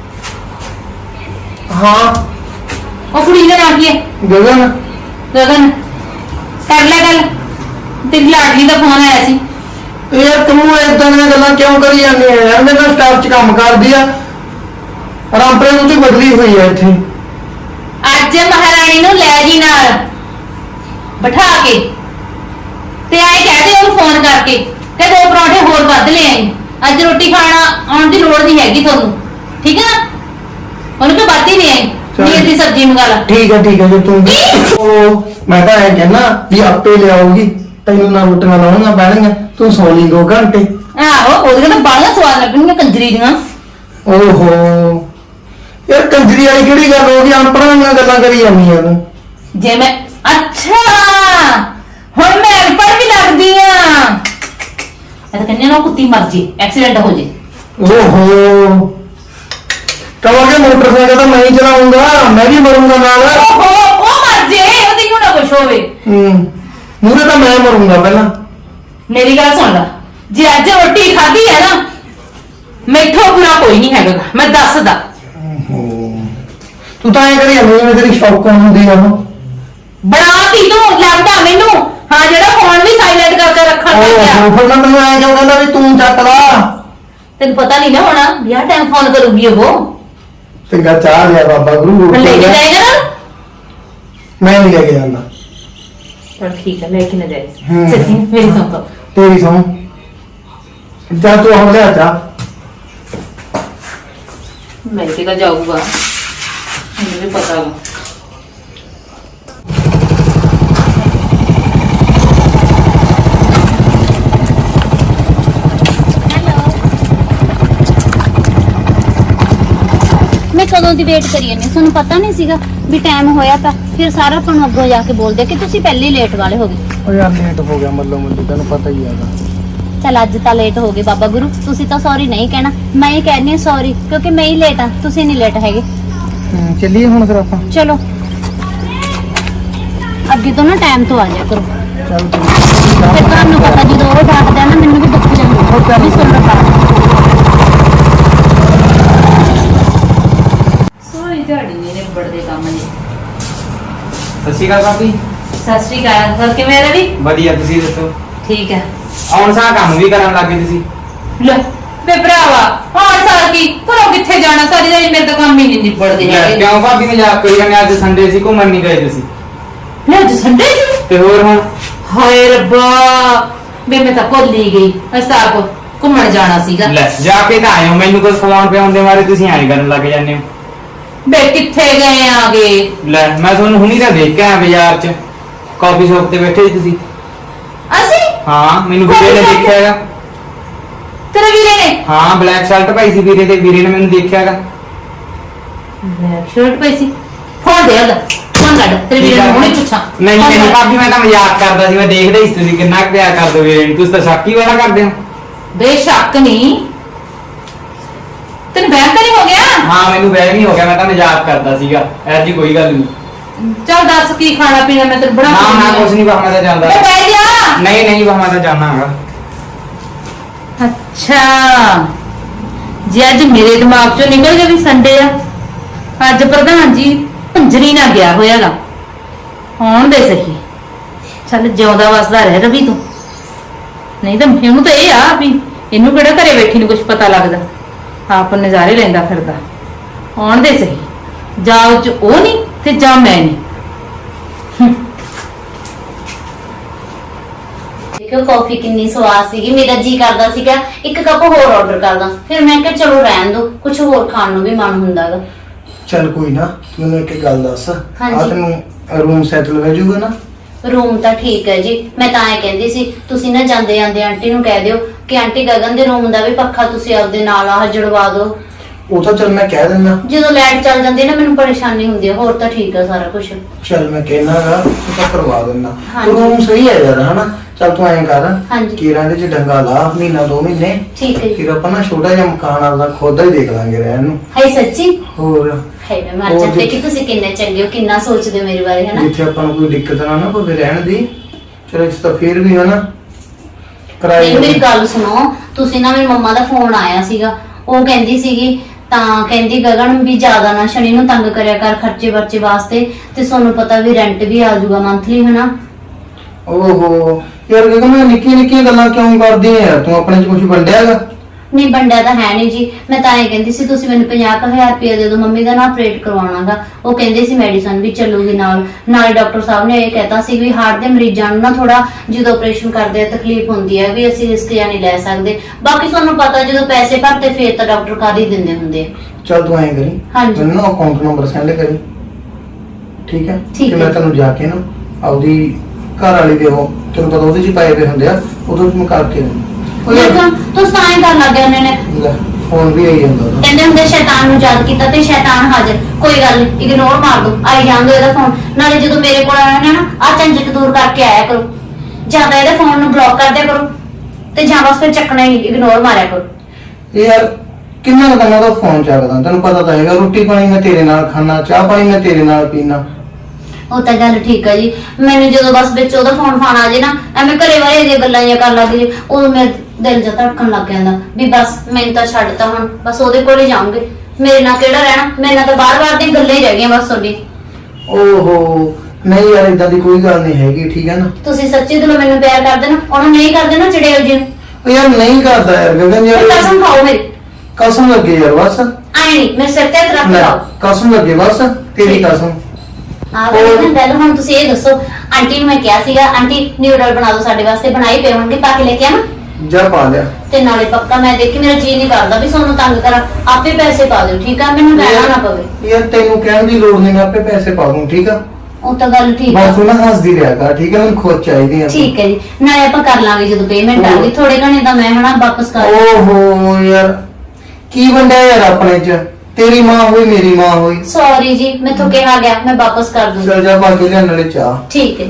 ਹਾਂ ਉਹ ਕੁੜੀ ਦਾ ਨਾਂ ਕੀ ਹੈ? ਗਗਨ। ਗਗਨ, ਕਰ ਲੈ ਗੱਲ। ਤੇਰੀ ਲਾਡਲੀ ਦਾ ਫੋਨ ਆਇਆ ਸੀ। ਯਾਰ ਤੂੰ ਏਦਾਂ ਦੀਆਂ ਗੱਲਾਂ ਕਿਉਂ ਕਰੀ ਜਾਂਦੀ ਹੈ ਯਾਰ? ਮੇਰੇ ਨਾਲ ਸਟਾਫ 'ਚ ਕੰਮ ਕਰਦੀ ਆ, ਰਾਮਪੁਰੇ ਨੂੰ ਤੇ ਬਦਲੀ ਹੋਈ ਆ ਇੱਥੇ। ਅੱਜ ਮਹਾਰਾਣੀ ਨੂੰ ਲੈ ਜੀ ਨਾਲ ਬਿਠਾ ਕੇ, ਤੇ ਆਏ ਕਹਦੇ ਉਹਨੂੰ ਫੋਨ ਕਰਕੇ ਕਿ ਦੋ ਪਰੌਂਠੇ ਹੋਰ ਵੱਧ ਲੈ ਆਈ, ਅੱਜ ਰੋਟੀ ਖਾਣਾ ਆਉਣ ਦੀ ਲੋੜ ਨਹੀਂ ਹੈਗੀ ਤੁਹਾਨੂੰ, ਠੀਕ ਹੈ ਨਾ? ਉਹਨੂੰ ਕਿ ਵੱਧ ਹੀ ਲੈ ਆਈ, ਪਨੀਰ ਦੀ ਸਬਜ਼ੀ ਮੰਗਾ ਲਾ। ਠੀਕ ਹੈ ਠੀਕ ਹੈ, ਜੇ ਤੂੰ ਉਹ ਮੈਂ ਤਾਂ ਐ ਕਹਿਣਾ ਵੀ ਆਪੇ ਲਿਆਉਗੀ, ਤੈਨੂੰ ਨਾ ਰੋਟੀਆਂ ਲਾਉਣੀਆਂ ਪੈਣਗੀਆਂ, ਤੂੰ ਸੌ ਲਈ ਦੋ ਘੰਟੇ। ਆਹੋ, ਉਹਦੇ ਤਾਂ ਬਾਹਲਾ ਸਵਾਦ ਲੱਗਣਗੀਆਂ ਕੰਜਰੀ ਦੀਆਂ। ਓਹੋ ਯਾਰ, ਕੰਜਰੀ ਵਾਲੀ ਕਿਹੜੀ ਗੱਲ ਹੋ ਗਈ? ਅਨਪੜ੍ਹਾਂ ਦੀਆਂ ਗੱਲਾਂ ਕਰੀ ਜਾਂਦੀਆਂ ਤੂੰ। ਜੇ ਮੈਂ ਅੱਛਾ ਹੁਣ ਮੈਂ ਅਨਪੜ੍ਹ ਵੀ ਲੱਗਦੀ ਆ। ਮੈਂ ਤਾਂ ਕਹਿੰਦੀ ਨਾ ਕੁੱਤੀ ਮਰ ਜੇ, ਐਕਸੀਡੈਂਟ ਹੋ ਜੇ। ਓਹੋ ਕਹੋਗੇ ਮੋਟਰਸਾਈਕਲ ਤਾਂ ਮੈਂ ਹੀ ਚਲਾਉਂਗਾ, ਮੈਂ ਵੀ ਮਰੂੰਗਾ ਨਾਲ। ਓਹੋ ਉਹ ਮਰ ਜੇ, ਉਹਦੀ ਨੂੰ ਨਾ ਕੁਛ ਹੋਵੇ। ਹੂੰ ਮੂਰੇ ਤਾਂ ਮੈਂ ਮਰੂੰਗਾ ਪਹਿਲਾਂ। ਮੇਰੀ ਗੱਲ ਸੁਣ ਲੈ, ਜੇ ਅੱਜ ਰੋਟੀ ਖਾਧੀ ਹੈ ਨਾ, ਮੈਥੋਂ ਬੁਰਾ ਕੋਈ ਨਹੀਂ ਹੈਗਾ, ਮੈਂ ਦੱਸਦਾ। ਤੂੰ ਤਾਂ ਐ ਕਰੀ ਜਾਂਦੀ ਜਿਵੇਂ ਤੇਰੀ ਸ਼ੌਕਣ ਹੁੰਦੀ ਆ ਉਹ। ਬਣਾ ਤੀ ਤੂੰ, ਲੱਗਦਾ ਮੈਨੂੰ। ਹਾਂ, ਜਿਹੜਾ ਫੋਨ ਵੀ ਸਾਇਲੈਂਟ ਕਰਕੇ ਰੱਖਣ ਲੱਗ ਗਿਆ। ਓਹੋ ਫਿਰ ਮੈਂ ਤੈਨੂੰ ਐ ਕਿਉਂ ਕਹਿੰਦਾ ਵੀ ਤੂੰ ਚੱਕ ਲਾ? ਤੈਨੂੰ ਪਤਾ ਨਹੀਂ ਨਾ ਹੋਣਾ ਵੀ ਆਹ ਟਾਈਮ ਫੋਨ ਕਰੂਗੀ ਉਹ। ਚੰਗਾ ਚਾਹ ਲਿਆ ਬਾਬਾ ਗੁਰੂ। ਲੈ ਕੇ ਜਾਏਗਾ ਨਾ? ਮੈਂ ਨਹੀਂ ਲੈ ਕੇ ਜਾਂਦਾ। ਚਲ ਠੀਕ ਹੈ, ਲੈ ਕੇ ਨਾ ਜਾਏ। ਹੂੰ। ਸੱਚੀ ਮੇਰੀ ਸੁਣ ਤੋ। ਤੇਰੀ ਸੌਂ ਜਾ, ਤੂੰ ਆਹ ਲਿਆ ਚਾਹ। ਲੈ ਕੇ ਤਾਂ ਜਾਊਗਾ, ਮੈਨੂੰ ਵੀ ਪਤਾ ਵਾ। ਮੈਂ ਕਦੋਂ ਦੀ ਵੇਟ ਕਰੀ ਜਾਂਦੀ ਹਾਂ, ਤੁਹਾਨੂੰ ਪਤਾ ਨਹੀਂ ਸੀਗਾ ਵੀ ਟਾਈਮ ਹੋਇਆ ਤਾਂ ਫਿਰ ਸਾਰਾ ਤੁਹਾਨੂੰ ਅੱਗੋਂ ਜਾ ਕੇ ਬੋਲਦੇ ਕਿ ਤੁਸੀਂ ਪਹਿਲੇ ਹੀ ਲੇਟ ਵਾਲੇ ਹੋ ਗਏ। ਓ ਯਾਰ ਲੇਟ ਹੋ ਗਿਆ ਮੱਲੋ ਮੱਲੀ, ਤੈਨੂੰ ਪਤਾ ਹੀ ਹੈਗਾ। ਚਲ ਅੱਜ ਤਾਂ ਲੇਟ ਹੋ ਗਏ ਬਾਬਾ ਗੁਰੂ, ਤੁਸੀਂ ਤਾਂ ਸੌਰੀ ਨਹੀਂ ਕਹਿਣਾ, ਮੈਂ ਹੀ ਕਹਿੰਦੀ ਹਾਂ ਸੌਰੀ, ਕਿਉਂਕਿ ਮੈਂ ਹੀ ਲੇਟ ਆ, ਤੁਸੀਂ ਨਹੀਂ ਲੇਟ ਹੈਗੇ। ਹੂੰ ਚੱਲੀਏ ਹੁਣ ਫਿਰ ਆਪਾਂ। ਚਲੋ ਅੱਗੇ ਤੋਂ ਨਾ ਟਾਈਮ ਤੋਂ ਆ ਜਾਇਆ ਕਰੋ। ਚੱਲ ਫਿਰ ਤੁਹਾਨੂੰ ਪਤਾ ਜਦੋਂ ਉਹ ਡਾਂਟਦਾ ਨਾ, ਮੈਨੂੰ ਵੀ ਦੁੱਖ ਜਾਂਦਾ ਵੀ ਸੁਣ ਲਓ ਬਾਤ। ਸੋਈ ਝਾੜੀ ਮੇਰੇ ਬੜਦੇ ਕੰਮ ਨੇ। ਸਤਿ ਸ਼੍ਰੀ ਅਕਾਲ ਭਾਬੀ। ਸਤਿ ਸ਼੍ਰੀ ਅਕਾਲ, ਹੋਰ ਕਿਵੇਂ ਰਵੀ? ਵਧੀਆ, ਤੁਸੀਂ ਦੱਸੋ? ਠੀਕ ਹੈ। ਆਉਣ ਸਾਂ ਕੰਮ ਵੀ ਕਰਨ ਲੱਗੇ ਤੁਸੀਂ। ਲੈ ਵੇ ਭਰਾਵਾ, ਹਾਂ ਸਾਲ ਕੀ ਘਰੋਂ ਕਿੱਥੇ ਜਾਣਾ, ਸਾਰੀ ਦਿਹਾੜੀ ਮੇਰੇ ਤਾਂ ਕੰਮ ਹੀ ਨਹੀਂ ਨਿਬੜਦੇ ਲੈ, ਹੈਗੇ। ਕਿਉਂ ਭਾਬੀ ਮਜ਼ਾਕ ਕਰੀ ਜਾਂਦੇ? ਅੱਜ ਸੰਡੇ ਸੀ, ਘੁੰਮਣ ਨਹੀਂ ਗਏ ਤੁਸੀਂ? ਲੈ ਅੱਜ ਸੰਡੇ ਸੀ। ਤੇ ਹੋਰ ਹੁਣ? ਹਾਏ ਰੱਬਾ, ਵੇ ਮੈਂ ਤਾਂ ਭੁੱਲ ਹੀ ਗਈ, ਅਸੀਂ ਤਾਂ ਆਪ ਘੁੰਮਣ ਜਾਣਾ ਸੀਗਾ। ਲੈ ਜਾ ਕੇ ਤਾਂ ਆਏ ਹੋ, ਮੈਨੂੰ ਕੁਝ ਖਵਾਉਣ ਪਿਆਉਣ ਦੇ ਬਾਰੇ ਤੁਸੀਂ ਐਂ ਕਰਨ ਲੱਗ ਜਾਂਦੇ ਹੋ। ਵੇ ਕਿੱਥੇ ਗਏ ਆਗੇ? ਲੈ ਮੈਂ ਤੁਹਾਨੂੰ ਹੁਣੀ ਤਾਂ ਦੇਖ ਕੇ ਆਇਆ ਬਾਜ਼ਾਰ 'ਚ, ਕਾਫੀ ਸ਼ੌਪ ਤੇ ਬੈਠੇ ਸੀ ਤੁਸੀਂ। ਅਸੀਂ? ਹਾਂ, ਮੈਨੂੰ ਵੀਰੇ ਨੇ Coffee shop ਦੇਖਿਆ ਹੈਗਾ। ਤੇਰੇ ਵੀਰੇ ਨੇ? ਹਾਂ, ਬਲੈਕ ਸ਼ਰਟ ਪਾਈ ਸੀ ਵੀਰੇ, ਤੇ ਵੀਰੇ ਨੇ ਮੈਨੂੰ ਦੇਖਿਆ ਹੈਗਾ। ਬਲੈਕ ਸ਼ਰਟ ਪਾਈ ਸੀ? ਫੋਨ ਦੇ ਉਹਦਾ, ਫੋਨ ਕੱਢ, ਤੇਰੇ ਵੀਰੇ ਨੂੰ ਹੁਣੇ ਪੁੱਛਾਂ। ਨਹੀਂ ਫੋਨ ਨਹੀਂ ਕੱਢ। ਭਾਬੀ, ਮੈਂ ਤਾਂ ਮਜ਼ਾਕ ਕਰਦਾ ਸੀ, ਮੈਂ ਦੇਖਦਾ ਹੀ ਸੀ ਤੁਸੀਂ ਕਿੰਨਾ ਕੁ ਪਿਆਰ ਕਰਦੇ ਹੋ ਵੀਰੇ ਨੂੰ। ਤੁਸੀਂ ਤਾਂ ਸ਼ੱਕ ਹੀ ਵਾਲਾ ਕਰਦੇ ਹੋ। ਬੇਸ਼ੱਕ ਨਹੀਂ, ਤੈਨੂੰ ਬੈਂਕ ਨਹੀਂ ਹੋ ਗਿਆ? ਹਾਂ, ਮੈਨੂੰ ਵਹਿਮ ਹੀ ਹੋ ਗਿਆ, ਮੈਂ ਤਾਂ ਮਜ਼ਾਕ ਕਰਦਾ ਸੀਗਾ, ਐਸੀ ਕੋਈ ਗੱਲ ਨਹੀਂ। ਚੱਲ ਦੱਸ ਕੀ ਖਾਣਾ ਪੀਣਾ ਮੈਂ ਤੈਨੂੰ ਬਣਾ ਨਾ ਕੇ ਨਾ ਦਿੰਦੀ ਕੁਛ ਨਹੀਂ ਬਾ ਮੈਂ ਤਾਂ ਜਾਂਦਾ ਓ ਬਹਿ ਜਾ। ਨਹੀਂ ਨਹੀਂ ਬਾ ਮੈਂ ਤਾਂ ਜਾਣਾ ਹੈਗਾ। ਅੱਛਾ ਜੇ ਅੱਜ ਮੇਰੇ ਦਿਮਾਗ ਚੋਂ ਨਿਕਲ ਗਿਆ ਵੀ ਸੰਡੇ ਆ, ਅੱਜ ਪ੍ਰਧਾਨ ਜੀ ਪੰਜਰੀ ਨਾ ਗਿਆ ਹੋਇਆਗਾ, ਆਉਣ ਦੇ ਸਹੀ। ਚੱਲ ਜਿਉਂਦਾ ਵਸਦਾ ਰਹਿ ਰਵੀ ਤੂੰ, ਨਹੀਂ ਤਾਂ ਇਹਨੂੰ ਤਾਂ ਇਹ ਆ ਵੀ ਇਹਨੂੰ ਕਿਹੜਾ ਘਰੇ ਬੈਠੀ ਨੂੰ ਕੁਝ ਪਤਾ ਲੱਗਦਾ, ਆਪ ਨਜ਼ਾਰੇ ਲੈਂਦਾ ਫਿਰਦਾ। ਆਉਣ ਦੇ ਸਹੀ, ਜਾਂ ਉਹ 'ਚ ਉਹ ਨਹੀਂ ਤੇ ਜਾਂ ਮੈਂ ਨਹੀਂ। ਦੇਖੋ ਕਾਫੀ ਕਿੰਨੀ ਸਵਾਦ ਸੀਗੀ, ਮੇਰਾ ਜੀ ਕਰਦਾ ਸੀਗਾ ਇੱਕ ਕੱਪ ਹੋਰ ਆਰਡਰ ਕਰਦਾ, ਫਿਰ ਮੈਂ ਕਿਹਾ ਚਲੋ ਰਹਿਣ ਦੋ, ਕੁਝ ਹੋਰ ਖਾਣ ਨੂੰ ਵੀ ਮਨ ਹੁੰਦਾਗਾ। ਚੱਲ ਕੋਈ ਨਾ, ਤੂੰ ਮੈਨੂੰ ਇੱਕ ਗੱਲ ਦੱਸ, ਆ ਹਾਂਜੀ। ਤੈਨੂੰ ਰੂਮ ਸੈਟਲ ਹੋ ਜਾਊਗਾ ਨਾ? ਰੂਮ ਤਾਂ ਠੀਕ ਹੈ ਜੀ, ਮੈਂ ਤਾਂ ਇਹ ਕਹਿੰਦੀ ਸੀ ਤੁਸੀਂ ਨਾ ਜਾਂਦੇ ਜਾਂਦੇ ਆਂਟੀ ਨੂੰ ਕਹਿ ਦਿਓ ਕਿ ਆਂਟੀ ਗਗਨ ਦੇ ਰੂਮ ਦਾ ਵੀ ਪੱਖਾ ਤੁਸੀਂ ਆਪਦੇ ਨਾਲ ਆਹ ਜੜਵਾ ਦਿਓ। ਉਹ ਤਾਂ ਚੱਲ ਮੈਂ ਕਹਿ ਦਿੰਦਾ। ਜਦੋਂ ਲਾਈਟ ਚੱਲ ਜਾਂਦੀ ਹੈ ਨਾ ਮੈਨੂੰ ਪਰੇਸ਼ਾਨੀ ਹੁੰਦੀ ਹੈ, ਹੋਰ ਤਾਂ ਠੀਕ ਹੈ ਸਾਰਾ ਕੁਝ। ਚੱਲ ਮੈਂ ਕਹਿਣਾਗਾ, ਤੂੰ ਤਾਂ ਕਰਵਾ ਦਿੰਦਾ। ਹਾਂਜੀ। ਰੂਮ ਸਹੀ ਹੈ ਯਾਰ, ਹਨਾ? ਚੱਲ ਤੂੰ ਐਂ ਕਰ, ਹਾਂਜੀ। ਕੀਰਾਂ ਦੇ ਚ ਡੰਗਾ ਲਾ ਮਹੀਨਾ ਦੋ ਮਹੀਨੇ, ਠੀਕ ਹੈ ਜੀ। ਫਿਰ ਆਪਾਂ ਨਾ ਛੋਟਾ ਜਿਹਾ ਮਕਾਨ ਆਪਦਾ ਖੁਦ ਹੀ ਦੇਖ ਲਾਂਗੇ ਰਹਿਣ ਨੂੰ। ਹਾਈ ਸੱਚੀ ਹੋਰ ਹਾਈ ਮੈਂ ਮਰ ਹੋਰ ਜਾਂਦੀ ਜੀ। ਕਿ ਤੁਸੀਂ ਕਿੰਨੇ ਚੰਗੇ ਹੋ, ਕਿੰਨਾ ਸੋਚਦੇ ਹੋ ਮੇਰੇ ਬਾਰੇ, ਹਨਾ? ਜਿੱਥੇ ਆਪਾਂ ਨੂੰ ਕੋਈ ਦਿੱਕਤ ਨਾ ਨਾ ਪਵੇ ਰਹਿਣ ਦੀ, ਚਲੋ ਇਸ ਤਾਂ ਫਿਰ ਵੀ ਹਨਾ ਕਿਰਾਏ ਨਹੀਂ ਮੇਰੀ ਗੱਲ ਸੁਣੋ, ਤੁਸੀਂ ਨਾ ਮੇਰੀ ਮੰਮਾ ਦਾ ਫੋਨ ਆਇਆ ਸੀਗਾ, ਉਹ ਕਹਿੰਦੀ ਸੀਗੀ ਤਾਂ ਕਹਿੰਦੀ ਗਗਨ ਵੀ ਜ਼ਿਆਦਾ ਨਾ ਸ਼ਨੀ ਨੂੰ ਤੰਗ ਕਰਿਆ ਕਰ ਖਰਚੇ ਵਰਚੇ ਵਾਸਤੇ, ਤੇ ਤੁਹਾਨੂੰ ਪਤਾ ਵੀ ਰੈਂਟ ਵੀ ਆ ਜਾਊਗਾ ਮੰਥਲੀ, ਹਨਾ? ਓਹੋ ਯਾਰ ਗਗਨ, ਮੈਂ ਨਿੱਕੀਆਂ ਨਿੱਕੀਆਂ ਗੱਲਾਂ ਕਿਉਂ ਕਰਦੀ ਆ ਯਾਰ? ਤੂੰ ਆਪਣੇ ਚ ਕੁਝ ਵੰਡਿਆ ਹੈਗਾ? ਨਹੀਂ ਵੰਡਿਆ ਤਾਂ ਹੈ ਨਹੀਂ ਜੀ, ਮੈਂ ਤਾਂ ਇਹ ਕਹਿੰਦੀ ਸੀ ਤੁਸੀਂ ਮੈਨੂੰ ਪੰਜਾਹ ਹਜ਼ਾਰ ਰੁਪਏ ਦੇ ਦਿਓ, ਮੰਮੀ ਦਾ ਨਾ ਆਪਰੇਟ ਕਰਵਾਉਣਾਗਾ। ਉਹ ਕਹਿੰਦੇ ਸੀ ਮੈਡੀਸਨ ਵੀ ਚੱਲੂਗੀ ਨਾਲ ਨਾਲੇ ਡਾਕਟਰ ਸਾਹਿਬ ਨੇ ਇਹ ਕਹਿਤਾ ਸੀ ਵੀ ਹਾਰਟ ਦੇ ਮਰੀਜ਼ਾਂ ਨੂੰ ਨਾ ਥੋੜਾ ਜਦੋਂ ਆਪਰੇਸ਼ਨ ਕਰਦੇ ਆ ਤਕਲੀਫ ਹੁੰਦੀ ਹੈ, ਵੀ ਅਸੀਂ ਰਿਸਕ ਜਾਂ ਨਹੀਂ ਲੈ ਸਕਦੇ। ਬਾਕੀ ਤੁਹਾਨੂੰ ਪਤਾ ਜਦੋਂ ਪੈਸੇ ਭਰਦੇ ਫੇਰ ਤਾਂ ਡਾਕਟਰ ਕਰ ਹੀ ਦਿੰਦੇ ਹੁੰਦੇ ਆ। ਚੱਲ ਤੂੰ ਐਂ ਕਰੀ, ਹਾਂਜੀ। ਮੈਨੂੰ ਨਾ ਅਕਾਊਂਟ ਨੰਬਰ ਸੈਂਡ ਕਰੀ, ਠੀਕ ਹੈ? ਠੀਕ ਤੇ ਮੈਂ ਹੈ। ਤੈਨੂੰ ਜਾ ਕੇ ਨਾ ਆਪਦੀ ਘਰ ਵਾਲੀ ਦੇ ਉਹ ਤੈਨੂੰ ਪਤਾ ਉਹਦੇ ਚ ਹੀ ਪਾਏ ਹੋਏ ਹੁੰਦੇ ਆ, ਉਦੋਂ ਮੈਂ ਕਰਕੇ ਦਿੰਦਾ। ਉਹ ਯਾਰ ਦੇਖੋ ਤੂੰ ਸਾਈਂ ਕਰਨ ਲੱਗ ਗਏ ਉਹਨਾਂ ਨੇ, ਲੈ, ਫੋਨ ਵੀ ਆਈ ਜਾਂਦਾ ਉਹਦਾ। ਕਹਿੰਦੇ ਹੁੰਦੇ ਸ਼ੈਤਾਨ ਨੂੰ ਯਾਦ ਕੀਤਾ ਤੇ ਸ਼ੈਤਾਨ ਹਾਜ਼ਰ। ਕੋਈ ਗੱਲ ਨਹੀਂ, ਇਗਨੋਰ ਮਾਰ ਦੋ, ਆਈ ਜਾਂਦੇ ਇਹਦਾ ਫੋਨ। ਨਾਲੇ ਜਦੋਂ ਮੇਰੇ ਕੋਲ ਆਇਆ ਨਾ ਆ ਝੰਜਟ ਦੂਰ ਕਰਕੇ ਆਇਆ ਕਰੋ, ਜਿਆਦਾ ਇਹਦੇ ਫੋਨ ਨੂੰ ਬਲੌਕ ਕਰ ਦਿਆ ਕਰੋ, ਤੇ ਜਾਂ ਬਸ ਫਿਰ ਚੱਕਣਾ ਹੀ ਇਗਨੋਰ ਮਾਰਿਆ ਕਰੋ। ਇਹ ਯਾਰ ਕਿੰਨਾ ਕੁ ਤਾਂ ਉਹਦਾ ਫੋਨ ਚੱਕਦਾ, ਤੈਨੂੰ ਪਤਾ ਤਾਂ ਹੈਗਾ, ਰੋਟੀ ਪਾਣੀ ਮੈਂ ਤੇਰੇ ਨਾਲ ਖਾਣਾ, ਚਾਹ ਪਾਣੀ ਮੈਂ ਤੇਰੇ ਨਾਲ ਪੀਣਾ। ਉਹ ਤਾਂ ਗੱਲ ਠੀਕ ਹੈ ਜੀ, ਮੈਨੂੰ ਜਦੋਂ ਬਸ ਵਿੱਚ ਉਹਦਾ ਫੋਨ ਫਾਨ ਆ ਜੇ ਨਾ, ਐਵੇਂ ਘਰੇ ਵਾਲੇ ਦੀਆਂ ਗੱਲਾਂ ਜਿਹੀਆਂ ਕਰਨ ਲੱਗ ਜੇ, ਉਦੋਂ ਮੇਰੇ ਦਿਲ ਜਿਹਾ ਧੜਕਣ ਲੱਗ ਜਾਂਦਾ ਵੀ ਬਸ ਮੈਨੂੰ ਤਾਂ ਛੱਡਤਾ, ਹੁਣ ਬਸ ਉਹਦੇ ਕੋਲ ਹੀ ਜਾਊਂਗੇ, ਮੇਰੇ ਨਾਲ ਕਿਹੜਾ ਰਹਿਣਾ, ਮੇਰੇ ਨਾਲ ਤਾਂ ਬਾਰ-ਬਾਰ ਦੀਆਂ ਗੱਲਾਂ ਹੀ ਰਹਿ ਗਈਆਂ ਬਸ ਤੁਹਾਡੀ। ਓਹੋ ਨਹੀਂ ਯਾਰ, ਇਦਾਂ ਦੀ ਕੋਈ ਗੱਲ ਨਹੀਂ ਹੈਗੀ, ਠੀਕ ਹੈ ਨਾ? ਤੁਸੀਂ ਸੱਚੀ ਦਿਲੋਂ ਮੈਨੂੰ ਪਿਆਰ ਕਰਦੇ ਨਾ, ਉਹਨੂੰ ਨਹੀਂ ਕਰਦੇ ਨਾ ਚੜੇਲ ਜੀ ਨੂੰ। ਉਹ ਯਾਰ ਨਹੀਂ ਕਰਦਾ ਯਾਰ ਗਗਨ ਯਾਰ, ਫਿਰ ਕਸਮ ਖਾਓ ਮੇਰੀ, ਕਸਮ ਲੱਗੇ ਯਾਰ ਬਸ। ਆਈ ਨਹੀਂ ਮੇਰੇ ਸਿਰ ਤੇ ਹੱਥ ਰੱਖ ਲੈ, ਲਾਓ। ਕਸਮ ਲੱਗੇ ਬਸ, ਤੇਰੀ ਕਸਮ। ਆਹ ਵੇਖ ਨਾ ਗੱਲ, ਹੁਣ ਤੁਸੀਂ ਇਹ ਦੱਸੋ, ਆਂਟੀ ਨੂੰ ਮੈਂ ਕਿਹਾ ਸੀਗਾ ਆਂਟੀ ਨਿਊਡਲ ਬਣਾ ਦਿਓ ਸਾਡੇ ਵਾਸਤੇ, ਬਣਾਈ ਪਏ ਹੋਣਗੇ, ਪਾ ਕੇ ਲੈ ਕੇ ਆਵਾਂ? ਜਾ ਪਾ ਲਿਆ। ਤੇ ਨਾਲੇ ਪੱਕਾ ਮੈਂ ਦੇਖੀ ਮੇਰਾ ਜੀ ਨਹੀਂ ਕਰਦਾ ਵੀ ਤੁਹਾਨੂੰ ਤੰਗ ਕਰਾਂ, ਆਪੇ ਪੈਸੇ ਪਾ ਦਿਓ, ਠੀਕ ਆ? ਮੈਨੂੰ ਕਹਿਣਾ ਨਾ ਪਵੇ। ਯਾਰ ਤੈਨੂੰ ਕਹਿਣ ਦੀ ਲੋੜ ਨਹੀਂ, ਮੈਂ ਆਪੇ ਪੈਸੇ ਪਾ ਦੂੰ, ਠੀਕ ਆ? ਉਹ ਤਾਂ ਗੱਲ ਠੀਕ ਆ। ਬਸ ਤੂੰ ਨਾ ਹੱਸਦੀ ਰਿਹਾ ਕਰ, ਠੀਕ ਹੈ? ਮੈਨੂੰ ਖੁਦ ਚਾਹੀਦੀ ਆ। ਠੀਕ ਹੈ ਜੀ, ਨਾਲੇ ਆਪਾਂ ਕਰ ਲਾਂਗੇ ਜਦੋਂ ਪੇਮੈਂਟ ਆ ਗਈ, ਥੋੜੇ ਘਣੇ ਤਾਂ ਮੈਂ ਹਨਾ ਵਾਪਸ ਕਰ। ਓਹੋ ਯਾਰ ਕੀ ਵੰਡਿਆ ਯਾਰ ਆਪਣੇ ਚ? ਤੇਰੀ ਮਾਂ ਹੋਈ ਮੇਰੀ ਮਾਂ ਹੋਈ। ਸੌਰੀ ਜੀ, ਮੈਥੋਂ ਕਿਹਾ ਗਿਆ, ਮੈਂ ਵਾਪਸ ਕਰ ਦੂੰਗੀ। ਚਲ ਜਾ ਪਾ ਕੇ ਲਿਆ ਨਾਲੇ ਚਾਹ। ਠੀਕ ਹੈ।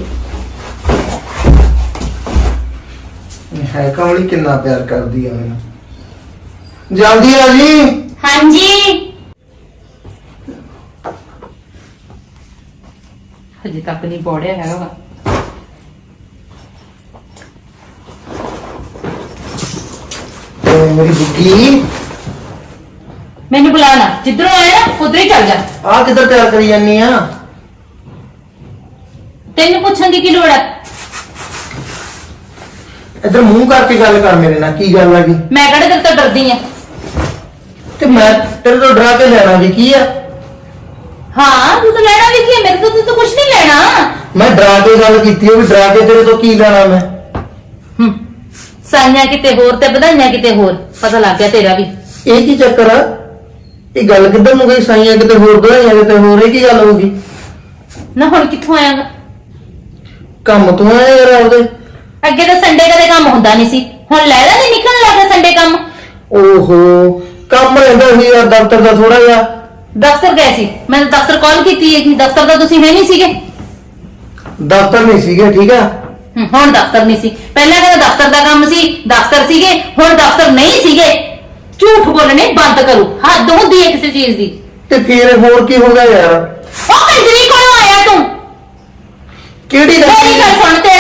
ਹੈ ਕਮਲੀ ਕਿੰਨਾ ਪਿਆਰ ਕਰਦੀ ਆ ਮੈਨੂੰ। ਜਲਦੀ ਆ ਜੀ। ਹਾਂਜੀ ਹਜੇ ਤੱਕ ਨਹੀਂ ਪੜਿਆ ਹੈਗਾ ਵਾ। ਤੇ ਮੇਰੀ ਬੁੱਢੀ ਮੈਨੂੰ ਬੁਲਾ ਨਾ, ਜਿੱਧਰੋਂ ਆਇਆ ਨਾ ਉਧਰ ਹੀ ਚੱਲ ਜਾ। ਆ ਕਿੱਧਰ ਤਿਆਰ ਕਰੀ ਜਾਨੀ ਆ? ਤੈਨੂੰ ਪੁੱਛਣ ਦੀ ਕੀ ਲੋੜ ਹੈ? ਇੱਧਰ ਮੂੰਹ ਕਰਕੇ ਗੱਲ ਕਰ ਮੇਰੇ ਨਾਲ, ਕੀ ਗੱਲ ਆ ਗਈ? ਮੈਂ ਕਿਹੜੇ ਤੇਰੇ ਤੋਂ ਡਰਦੀ ਆ? ਤੇ ਮੈਂ ਤੇਰੇ ਤੋਂ ਡਰਾ ਕੇ ਲੈਣਾ ਵੀ ਕੀ ਆ? ਹਾਂ ਤੂੰ ਤਾਂ ਲੈਣਾ ਵੀ ਕੀ ਹੈ, ਮੇਰੇ ਤੋਂ ਤੂੰ ਤਾਂ ਕੁਝ ਨਹੀਂ ਲੈਣਾ। ਮੈਂ ਡਰਾ ਕੇ ਗੱਲ ਕੀਤੀ ਆ, ਵੀ ਡਰਾ ਕੇ ਤੇਰੇ ਤੋਂ ਕੀ ਲੈਣਾ ਮੈਂ? ਹੂੰ ਸਾਈਆਂ ਕਿਤੇ ਹੋਰ ਤੇ ਵਧਾਈਆਂ ਕਿਤੇ ਹੋਰ, ਪਤਾ ਲੱਗ ਗਿਆ ਤੇਰਾ ਵੀ। ਇਹ ਕੀ ਚੱਕਰ ਆ? ਇਹ ਗੱਲ ਕਿੱਧਰ ਨੂੰ ਗਈ? ਸਾਈਆਂ ਕਿਤੇ ਹੋਰ, ਵਧਾਈਆਂ ਕਿਤੇ ਹੋਰ, ਇਹ ਕੀ ਗੱਲ ਹੋ ਗਈ? ਨਾ ਹੁਣ ਕਿੱਥੋਂ ਆਇਆਗਾ? ਕੰਮ ਤੋਂ ਆਇਆ ਯਾਰ ਆਪਦੇ। ਅੱਗੇ ਤਾਂ ਸੰਡੇ ਕਦੇ ਕੰਮ ਹੁੰਦਾ ਨਹੀਂ ਸੀ, ਹੁਣ ਲੈ ਲੈ ਨਹੀਂ ਨਿਕਲਣ ਲੱਗਾ ਸੰਡੇ ਕੰਮ। ਓਹੋ ਕੰਮ ਰਹਿੰਦਾ ਸੀ ਯਾਰ ਦਫ਼ਤਰ ਦਾ ਥੋੜਾ ਜਿਹਾ। ਦਫ਼ਤਰ ਗਏ ਸੀ, ਮੈਂ ਤਾਂ ਦਫ਼ਤਰ ਕਾਲ ਕੀਤੀ ਹੈ ਕਿ ਦਫ਼ਤਰ ਦਾ ਤੁਸੀਂ ਹੈ ਨਹੀਂ ਸੀਗੇ। ਦਫ਼ਤਰ ਨਹੀਂ ਸੀਗੇ, ਠੀਕ ਆ? ਹੂੰ, ਹੁਣ ਦਫ਼ਤਰ ਨਹੀਂ ਸੀ। ਪਹਿਲਾਂ ਕਹਿੰਦਾ ਦਫ਼ਤਰ ਦਾ ਕੰਮ ਸੀ, ਦਫ਼ਤਰ ਸੀਗੇ, ਹੁਣ ਦਫ਼ਤਰ ਨਹੀਂ ਸੀਗੇ। ਝੂਠ ਬੋਲਣੇ ਬੰਦ ਕਰੋ, ਹੱਦ ਹੁੰਦੀ ਹੈ ਕਿਸੇ ਚੀਜ਼ ਦੀ। ਤੇ ਫੇਰ ਹੋਰ ਕੀ ਹੋ ਗਿਆ ਯਾਰ? ਉਹ ਕੰਜਰੀ ਕੋਲੋਂ ਆਇਆ ਤੂੰ? ਕਿਹੜੀ ਗੱਲ ਮੇਰੀ ਗੱਲ ਸੁਣ, ਤੇਰਾ